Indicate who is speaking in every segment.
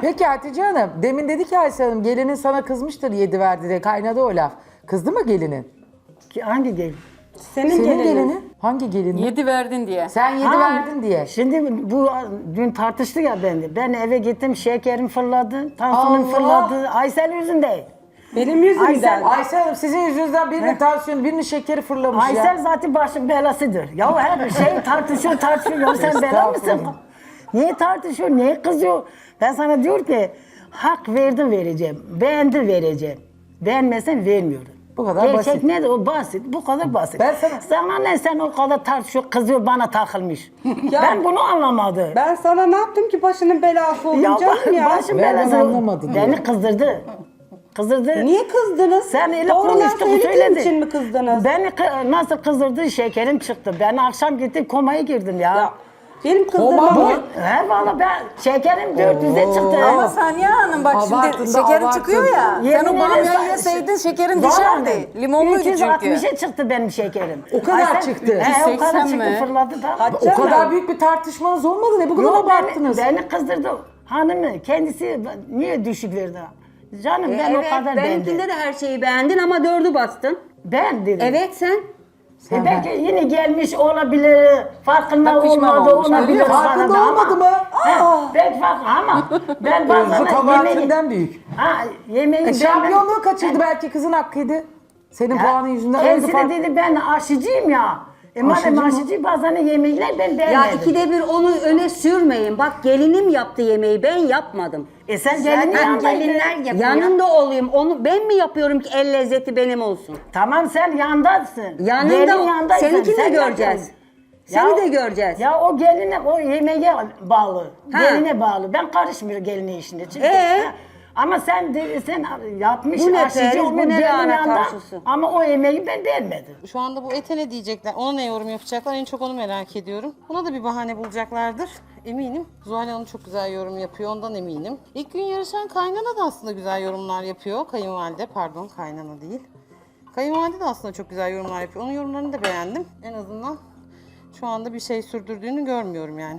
Speaker 1: Peki Hatice Hanım, demin dedi ki Aysel Hanım gelinin sana kızmıştır 7 verdi diye, kaynadı o laf. Kızdı mı gelinin?
Speaker 2: Hangi gelin?
Speaker 1: Senin gelinin? Hangi gelinin?
Speaker 3: 7 verdin diye.
Speaker 1: Sen 7
Speaker 2: Ha,
Speaker 1: verdin diye.
Speaker 2: Şimdi bu dün tartıştık ya bende. Ben eve gittim, şekerim fırladı, tansiyonum
Speaker 1: Allah!
Speaker 2: fırladı. Aysel yüzünde.
Speaker 4: Benim yüzümden.
Speaker 1: Aysel Hanım sizin yüzünüzden birinin tansiyonu, birinin şekeri fırlamış
Speaker 2: Aysel
Speaker 1: ya.
Speaker 2: zaten başın belasıdır. Ya her şey tartışıyor. Ya sen bela mısın?
Speaker 1: Estağfurullah.
Speaker 2: Niye tartışıyor, niye kızıyor? Ben sana diyor ki, hak verdim vereceğim, beğendi vereceğim. Beğenmezsen vermiyorum.
Speaker 1: Bu kadar
Speaker 2: Gerçek
Speaker 1: basit.
Speaker 2: nedir? O basit. Bu kadar basit.
Speaker 1: Ben
Speaker 2: sana ne, sen o kadar tartışıyor, kızıyor, bana takılmış. Ben bunu anlamadım.
Speaker 4: Ben sana ne yaptım ki başının belası oldun canım ya?
Speaker 2: Başım
Speaker 1: Ben
Speaker 2: belası.
Speaker 1: anlamadım
Speaker 2: Beni
Speaker 1: ya.
Speaker 2: kızdırdı. Kızdırdı.
Speaker 4: Niye kızdınız?
Speaker 2: Sen öyle
Speaker 4: Doğrular
Speaker 2: konuştun,
Speaker 4: söylediğin
Speaker 2: söyledin.
Speaker 4: için mi kızdınız?
Speaker 2: Beni nasıl kızdırdı, şekerim çıktı. Ben akşam gittim komaya girdim ya.
Speaker 4: Ya, benim
Speaker 1: Koma
Speaker 4: kızdırmam.
Speaker 1: mı?
Speaker 2: He valla ben şekerim 400'e çıktı.
Speaker 3: Ama Saniye Hanım bak
Speaker 1: Abartın
Speaker 3: şimdi
Speaker 1: da
Speaker 3: şekerin
Speaker 1: abartın.
Speaker 3: çıkıyor ya. Sen
Speaker 2: Yemin
Speaker 3: o
Speaker 2: ederim
Speaker 3: bamyayı yeseydin şekerin düşerdi. Limonluydu çünkü.
Speaker 2: 360'e çıktı benim şekerim.
Speaker 1: O kadar çıktı.
Speaker 2: He o kadar
Speaker 3: 180
Speaker 2: çıktı
Speaker 3: mi?
Speaker 2: fırladı da.
Speaker 4: Hatice
Speaker 1: O kadar
Speaker 4: Hanım,
Speaker 1: büyük bir tartışmanız olmadı, ne bu kadar
Speaker 2: Yok,
Speaker 1: abarttınız?
Speaker 2: beni kızdırdı. Hanımı kendisi niye düşük verdi? Canım ben o kadar
Speaker 5: benimkinde
Speaker 2: beğendim.
Speaker 5: de her şeyi beğendin ama 4'ü bastın.
Speaker 2: Ben dedim.
Speaker 5: Evet sen.
Speaker 2: Belki yine gelmiş olabilir, farkında
Speaker 3: Pişman
Speaker 2: olmadı
Speaker 3: olmuş.
Speaker 2: olabilir.
Speaker 1: Öyle farkında
Speaker 2: bana da
Speaker 1: olmadı mı?
Speaker 2: Belki farkında ama ben
Speaker 1: Özlü
Speaker 2: bazen
Speaker 1: kabahatinden büyük.
Speaker 2: yemeği
Speaker 1: Şampiyonluğu kaçırdı, belki kızın hakkıydı. Senin puanın yüzünden öldü
Speaker 2: kendisi de
Speaker 1: fark.
Speaker 2: dedi ben aşıcıyım ya.
Speaker 1: Aşıcı
Speaker 2: Madem
Speaker 1: mı?
Speaker 2: aşıcı bazen yemekler ben beğenmedim.
Speaker 5: Ya ikide bir onu öne sürmeyin. Bak gelinim yaptı yemeği ben yapmadım.
Speaker 2: Sen gelinin yanındaydın.
Speaker 5: Yanında olayım. Onu ben mi yapıyorum ki el lezzeti benim olsun?
Speaker 2: Tamam sen yandasın.
Speaker 5: Yanında
Speaker 2: Gelin yandaysın.
Speaker 5: seninkini de
Speaker 2: Sen
Speaker 5: göreceğiz.
Speaker 2: yapıyorsun.
Speaker 5: Seni
Speaker 2: Ya-
Speaker 5: de göreceğiz.
Speaker 2: Ya o geline, o yemeğe bağlı.
Speaker 5: Ha.
Speaker 2: Geline bağlı. Ben karışmıyorum gelinin işine. Çünkü,
Speaker 5: Ee?
Speaker 2: Ama sen yapmış
Speaker 5: Bu ne
Speaker 2: aşıcı
Speaker 5: periz, bu
Speaker 2: olmuş
Speaker 5: ne
Speaker 2: gelin
Speaker 5: lahana
Speaker 2: yanında.
Speaker 5: turşusu?
Speaker 2: Ama o yemeği ben beğenmedim.
Speaker 6: Şu anda bu ete ne diyecekler, ona ne yorum yapacaklar en çok onu merak ediyorum. Buna da bir bahane bulacaklardır eminim. Zuhal Hanım çok güzel yorum yapıyor, ondan eminim. İlk gün yarışan kaynana da aslında güzel yorumlar yapıyor. Kayınvalide, pardon kaynana değil. Kayınvalide de aslında çok güzel yorumlar yapıyor. Onun yorumlarını da beğendim. En azından şu anda bir şey sürdürdüğünü görmüyorum yani.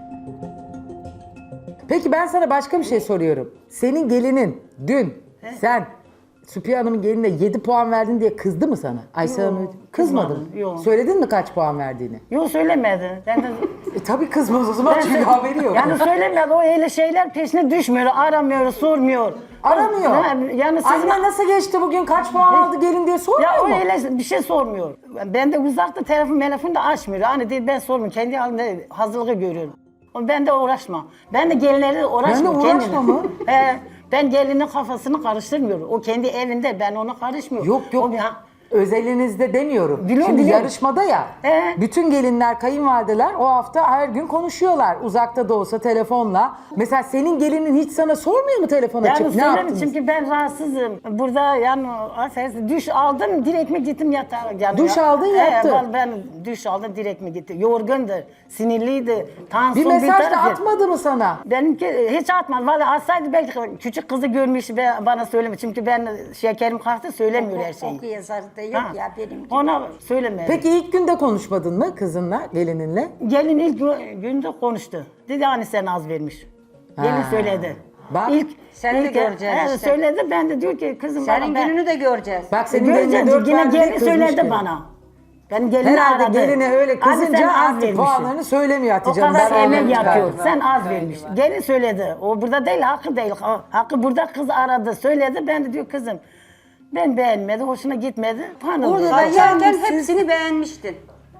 Speaker 1: Peki ben sana başka bir şey soruyorum. Senin gelinin dün sen Süpiye Hanım'ın gelinine 7 puan verdin diye kızdı mı sana? Aysel Hanım kızmadı mı?
Speaker 2: kızmadım, yok.
Speaker 1: Söyledin mi kaç puan verdiğini?
Speaker 2: Yok söylemedi. Ben de,
Speaker 1: Tabii kızmaz o zaman çünkü haberi yok.
Speaker 2: yani söylemedi. O öyle şeyler peşine düşmüyor. Aramıyor, sormuyor.
Speaker 1: Aramıyor.
Speaker 2: Yani sizin...
Speaker 1: Anne nasıl geçti bugün, kaç puan aldı gelin diye sormuyor
Speaker 2: Ya o
Speaker 1: mu?
Speaker 2: öyle bir şey sormuyor. Ben de uzakta telefon da açmıyor. Hani değil ben sormuyorum. Kendi halinde hazırlığı görüyorum. Ben de uğraşma. Ben de gelinlerle uğraşmıyorum.
Speaker 1: Ben de uğraşma mı?
Speaker 2: Ben gelinin kafasını karıştırmıyorum. O kendi evinde, ben ona karışmıyorum.
Speaker 1: Yok yok.
Speaker 2: O,
Speaker 1: Özelinizde demiyorum.
Speaker 2: Biliyorum,
Speaker 1: Şimdi
Speaker 2: biliyorum.
Speaker 1: yarışmada ya, bütün gelinler, kayınvalideler o hafta her gün konuşuyorlar. Uzakta da olsa telefonla. Mesela senin gelinin hiç sana sormuyor mu telefon açıp
Speaker 2: yani
Speaker 1: ne
Speaker 2: söyleyeyim
Speaker 1: yaptınız?
Speaker 2: çünkü ben rahatsızım. Burada yani affedersin duş aldım direkt mi gittim yatağa. Yani
Speaker 1: Duş aldın, yattın.
Speaker 2: Ben duş aldım direkt mi gittim. Yorgundu, sinirliydi.
Speaker 1: Bir
Speaker 2: Tansiyon
Speaker 1: mesaj da
Speaker 2: tarafı.
Speaker 1: atmadı mı sana?
Speaker 2: Benimki hiç atmadı. Vallahi atsaydı belki küçük kızı görmüş ve bana söylemiş. Çünkü ben şekerim kalktı söylemiyor her şeyi.
Speaker 5: Oku yazarı da yok
Speaker 2: Ha.
Speaker 5: ya benim.
Speaker 2: Ona söylemedi.
Speaker 1: Peki ilk günde konuşmadın mı kızınla, gelininle?
Speaker 2: Gelin ilk günde konuştu. Dedi hani sen az vermiş. Gelin
Speaker 1: Ha.
Speaker 2: söyledi.
Speaker 1: Bak.
Speaker 5: Sen de göreceğiz işte.
Speaker 2: Söyledi ben de diyor ki kızım
Speaker 5: Senin
Speaker 2: bana
Speaker 5: gününü de göreceğiz.
Speaker 1: Bak senin geline
Speaker 2: göreceğiz.
Speaker 1: 4
Speaker 2: Yine
Speaker 1: verdi diye
Speaker 2: gelin
Speaker 1: kızmış
Speaker 2: söyledi
Speaker 1: gelin.
Speaker 2: bana. Ben gelini
Speaker 1: Herhalde
Speaker 2: aradı.
Speaker 1: geline öyle
Speaker 2: Abi
Speaker 1: kızınca
Speaker 2: sen az
Speaker 1: artık
Speaker 2: vermişsin.
Speaker 1: puanlarını söylemiyor
Speaker 2: O
Speaker 1: Hatice Hanım.
Speaker 2: kadar
Speaker 1: Ben
Speaker 2: emek
Speaker 1: anladım
Speaker 2: yapıyor.
Speaker 1: galiba.
Speaker 2: Sen az vermiş. Gelin söyledi. O burada değil, hakkı değil. Hakkı burada kız aradı, söyledi. Ben de diyor kızım ben beğenmedi, hoşuna gitmedi. Pardon.
Speaker 5: Burada da yerken hepsini beğenmiştin.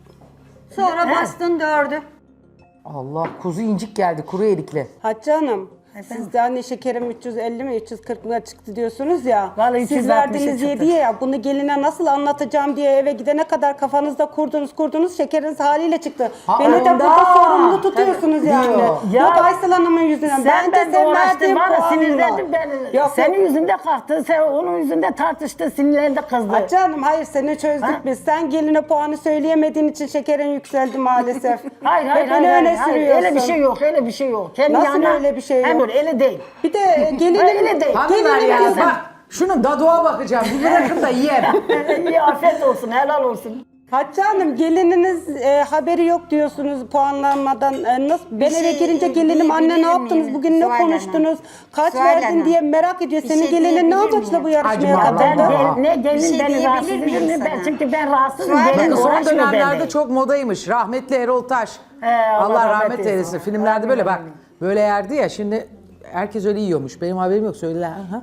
Speaker 5: Sonra bastın 4'ü.
Speaker 1: Allah, kuzu incik geldi kuru erikli.
Speaker 4: Hatice Hanım, siz de hani şekerim 350 mi 340 mı çıktı diyorsunuz ya.
Speaker 2: Vallahi
Speaker 4: Siz
Speaker 2: 360'a
Speaker 4: verdiğiniz
Speaker 2: çıktı.
Speaker 4: 7'ye ya bunu geline nasıl anlatacağım diye eve gidene kadar kafanızda kurdunuz şekeriniz haliyle çıktı.
Speaker 1: Ha,
Speaker 4: Beni de
Speaker 1: ondan.
Speaker 4: burada sorumlu tutuyorsunuz
Speaker 1: Tabii,
Speaker 4: yani.
Speaker 1: diyor.
Speaker 2: Ya,
Speaker 4: Yok Aysel Hanım'ın yüzünden.
Speaker 2: Sen
Speaker 4: Bence
Speaker 2: ben uğraştım,
Speaker 4: verdiğim
Speaker 2: bana
Speaker 4: puanla.
Speaker 2: sinirlendim ben.
Speaker 4: Yok,
Speaker 2: Senin
Speaker 4: yok.
Speaker 2: yüzünde kalktı, sen onun yüzünde tartıştı, sinirlendi kızdı.
Speaker 4: Hatice Hanım hayır seni çözdük
Speaker 2: Ha?
Speaker 4: biz. Sen geline puanı söyleyemediğin için şekerin yükseldi maalesef.
Speaker 2: Hayır,
Speaker 4: Hep beni öne sürüyorsun.
Speaker 2: öyle bir şey yok, öyle bir şey yok. Kendi
Speaker 4: Nasıl
Speaker 2: yanına-
Speaker 4: öyle bir şey
Speaker 2: Hem
Speaker 4: yok?
Speaker 2: öyle, öyle değil.
Speaker 4: Bir de gelinin...
Speaker 2: Öyle değil.
Speaker 1: Hanımlar ya
Speaker 4: diyorsun.
Speaker 1: bak şunun dadığa bakacağım. Bir bırakın da yiyelim.
Speaker 2: İyi afiyet olsun, helal olsun.
Speaker 4: Hatice Hanım gelininiz haberi yok diyorsunuz puanlanmadan. Nasıl? Ben
Speaker 5: şey
Speaker 4: eve girince gelinim anne ne
Speaker 5: diyebilir
Speaker 4: yaptınız?
Speaker 5: miyim?
Speaker 4: Bugün ne
Speaker 5: Zuhal Hanım.
Speaker 4: konuştunuz? Kaç
Speaker 5: Zuhal
Speaker 4: verdin
Speaker 5: Hanım.
Speaker 4: diye merak ediyor.
Speaker 5: Bir
Speaker 4: Senin
Speaker 5: şey
Speaker 4: gelinin ne
Speaker 5: diyebilir
Speaker 4: amaçla
Speaker 5: miyim?
Speaker 4: bu yarışmaya
Speaker 1: Acaba
Speaker 2: Ben
Speaker 4: katıldı?
Speaker 1: Aa.
Speaker 2: ne gelin
Speaker 5: Bir şey
Speaker 2: beni
Speaker 5: diyebilir
Speaker 2: rahatsız
Speaker 5: miyim
Speaker 2: ediyor ben
Speaker 5: sana?
Speaker 2: çünkü ben rahatsızım.
Speaker 5: Zuhal
Speaker 2: Gelin
Speaker 5: Hanım,
Speaker 1: Son
Speaker 2: uğraşmıyor
Speaker 1: dönemlerde
Speaker 2: benimle.
Speaker 1: çok modaymış. Rahmetli Erol Taş.
Speaker 2: Allah
Speaker 1: Allah
Speaker 2: rahmet
Speaker 1: rahmet
Speaker 2: eylesin.
Speaker 1: eylesin. Filmlerde böyle bak. Böyle yerdi ya şimdi herkes öyle yiyormuş. Benim haberim yok. Söyle. Aha.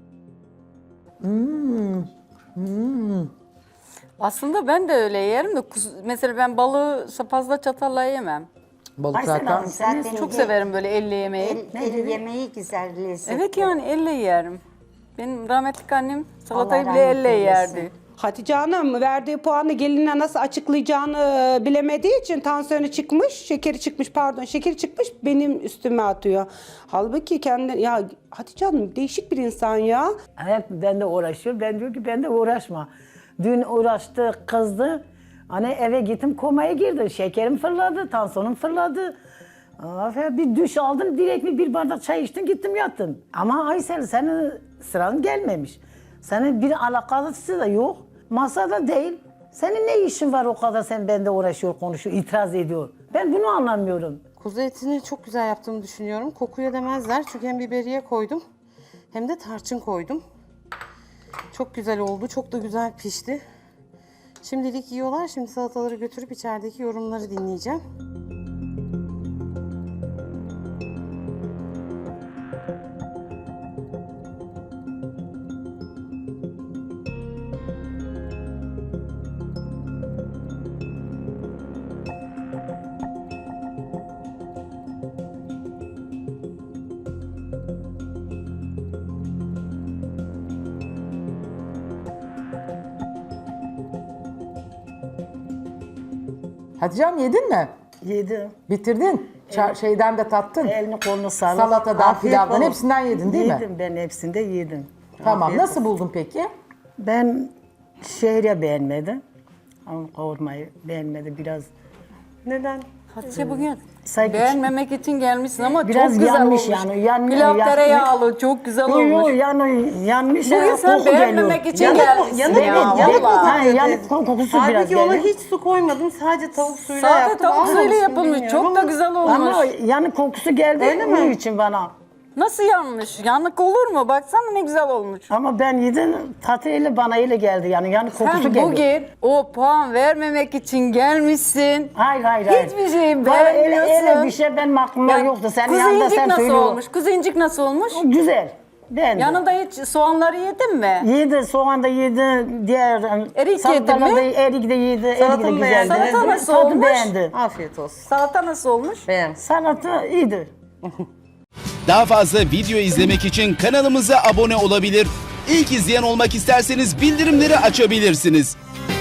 Speaker 3: Aslında ben de öyle yerim de mesela ben balığı fazla çatalla yemem.
Speaker 1: Balık
Speaker 2: Aysel
Speaker 1: zaten.
Speaker 2: Hanım,
Speaker 5: Zaten
Speaker 3: Çok severim böyle elle yemeği.
Speaker 5: El yemeği güzel lezzet.
Speaker 3: Evet yani elle yerim. Benim rahmetli annem salatayı
Speaker 5: Allah
Speaker 3: bile
Speaker 5: rahmet
Speaker 3: elle
Speaker 5: eylesin.
Speaker 3: yerdi.
Speaker 4: Hatice Hanım verdiği puanı gelinine nasıl açıklayacağını bilemediği için tansiyonu çıkmış, şekeri çıkmış benim üstüme atıyor. Halbuki kendi ya Hatice Hanım değişik bir insan ya.
Speaker 2: Evet ben de uğraşıyorum. Ben diyor ki ben de uğraşma. Dün uğraştı, kızdı. Hani eve gittim komaya girdi. Şekerim fırladı, tansiyonum fırladı. Bir duş aldım, direkt bir bardak çay içtim, gittim yattım. Ama Aysel senin sıran gelmemiş. Senin bir alakası da yok. Masada değil. Senin ne işin var o kadar sen bende uğraşıyor, konuşuyor, itiraz ediyor. Ben bunu anlamıyorum.
Speaker 6: Kuzu etini çok güzel yaptığımı düşünüyorum. Kokuya demezler çünkü hem biberiye koydum hem de tarçın koydum. Çok güzel oldu. Çok da güzel pişti. Şimdilik yiyorlar. Şimdi salataları götürüp içerideki yorumları dinleyeceğim.
Speaker 1: Hatice Hanım yedin mi?
Speaker 2: Yedim.
Speaker 1: Bitirdin. Şeyden de tattın.
Speaker 2: Elini kolunu sağlık.
Speaker 1: Salatadan,
Speaker 2: Afiyet
Speaker 1: pilavdan
Speaker 2: olsun.
Speaker 1: hepsinden yedin değil mi?
Speaker 2: Yedim ben hepsinde yedim.
Speaker 1: Tamam.
Speaker 2: Afiyet
Speaker 1: Nasıl
Speaker 2: olsun.
Speaker 1: buldun peki?
Speaker 2: Ben şehriye beğenmedim. Ama kavurmayı beğenmedim biraz.
Speaker 6: Neden?
Speaker 3: Hatice bugün
Speaker 2: Sanki-
Speaker 3: beğenmemek için gelmişsin ama
Speaker 2: Biraz
Speaker 3: çok güzel
Speaker 2: yanmış
Speaker 3: olmuş.
Speaker 2: yani, yan-
Speaker 3: Pilav
Speaker 2: yan-
Speaker 3: tereyağlı çok güzel
Speaker 2: Yok
Speaker 3: olmuş.
Speaker 2: yanmış.
Speaker 3: Bugün
Speaker 2: ya,
Speaker 3: sen
Speaker 2: koku geliyor.
Speaker 3: beğenmemek için
Speaker 6: Yanık-
Speaker 3: gelmişsin
Speaker 6: yanık-
Speaker 3: ya.
Speaker 6: yanık
Speaker 3: vallahi.
Speaker 2: Ha, yanık kokusu biraz
Speaker 6: Halbuki ona
Speaker 2: geliyor.
Speaker 6: hiç su koymadım. Sadece tavuk suyuyla
Speaker 3: Sade
Speaker 6: yaptım.
Speaker 3: tavuk
Speaker 6: Almamış
Speaker 3: suyuyla
Speaker 6: mı
Speaker 3: yapılmış.
Speaker 6: bilmiyorum
Speaker 3: Çok da
Speaker 6: ama-
Speaker 3: güzel olmuş.
Speaker 2: Ama yanık kokusu geldi
Speaker 6: Öyle mi?
Speaker 2: onun için bana.
Speaker 3: Nasıl yanmış? Yanık olur mu? Baksana ne güzel olmuş.
Speaker 2: Ama ben yedim tatıyla bana ile geldi yani yanık kokusu
Speaker 3: Sen
Speaker 2: geldi.
Speaker 3: bugün o puan vermemek için gelmişsin.
Speaker 2: Hayır.
Speaker 3: Hiçbir şeyi
Speaker 2: Öyle
Speaker 3: beğenmiyorsun.
Speaker 2: bir şey benim aklımda
Speaker 3: Ya,
Speaker 2: yoktu. Senin
Speaker 3: kuzu
Speaker 2: yanında
Speaker 3: incik
Speaker 2: sen
Speaker 3: nasıl
Speaker 2: söylüyorsun.
Speaker 3: olmuş? Kuzu incik nasıl olmuş?
Speaker 2: Güzel. Beğendim.
Speaker 3: Yanında hiç soğanları yedin mi?
Speaker 2: Yedi, soğan da yedi, diğer
Speaker 3: Erik
Speaker 2: salatalar
Speaker 3: yedin
Speaker 2: da
Speaker 3: mi?
Speaker 2: erik de yedi, erik de
Speaker 6: Salatayı
Speaker 2: güzeldi.
Speaker 6: beğendiniz
Speaker 3: Salata nasıl
Speaker 2: Tadı
Speaker 3: olmuş?
Speaker 2: beğendi.
Speaker 6: Afiyet olsun.
Speaker 3: Salata nasıl olmuş?
Speaker 6: Beğen.
Speaker 2: Salata iyiydi.
Speaker 7: Daha fazla video izlemek için kanalımıza abone olabilir. İlk izleyen olmak isterseniz bildirimleri açabilirsiniz.